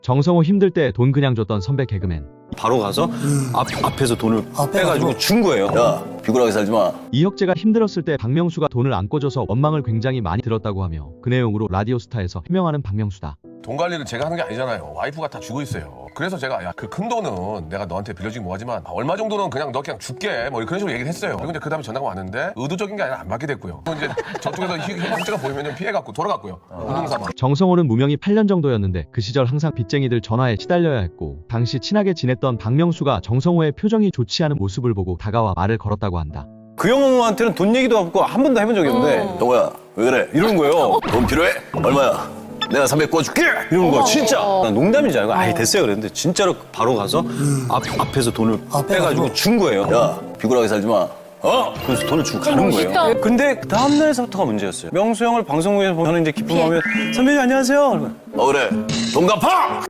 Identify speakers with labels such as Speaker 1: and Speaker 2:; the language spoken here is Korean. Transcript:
Speaker 1: 정성호 힘들 때 돈 그냥 줬던 선배 개그맨.
Speaker 2: 바로 가서 앞에서 돈을 빼가지고 준 거예요.
Speaker 3: 야, 비굴하게 살지 마.
Speaker 1: 이혁재가 힘들었을 때 박명수가 돈을 안 꿔줘서 원망을 굉장히 많이 들었다고 하며 그 내용으로 라디오스타에서 해명하는 박명수다.
Speaker 4: 돈 관리를 제가 하는 게 아니잖아요. 와이프가 다 주고 있어요. 그래서 제가 야, 그 큰 돈은 내가 너한테 빌려주긴 뭐하지만 얼마 정도는 그냥 너 그냥 줄게 뭐 그런 식으로 얘기를 했어요. 그리고 이제 그 다음에 전화가 왔는데 의도적인 게 아니라 안 받게 됐고요. 또 이제 저쪽에서 형태가 보이면 좀 피해갖고 돌아갔고요. 운동삼아.
Speaker 1: 정성호는 무명이 8년 정도였는데 그 시절 항상 빚쟁이들 전화에 시달려야 했고 당시 친하게 지냈던 박명수가 정성호의 표정이 좋지 않은 모습을 보고 다가와 말을 걸었다고 한다.
Speaker 2: 그 형한테는 돈 얘기도 없고 한 번도 해본 적이 없는데
Speaker 3: 동호야, 왜 그래?
Speaker 2: 이러는 거예요.
Speaker 3: 돈 필요해? 얼마야? 내가 300 꿔줄게!
Speaker 2: 이러는 거야 진짜. 난 농담인 줄 알고 아예 됐어요 그랬는데 진짜로 바로 가서 앞에서 돈을 빼가지고 준 거예요.
Speaker 3: 야, 비굴하게 살지 마.
Speaker 2: 그래서 돈을 주고 가는 거예요. 근데 그 다음 날서부터가 문제였어요. 명수 형을 방송국에서 보면 이제 기쁜 마음에 선배님 안녕하세요.
Speaker 3: 그래. 돈 갚아!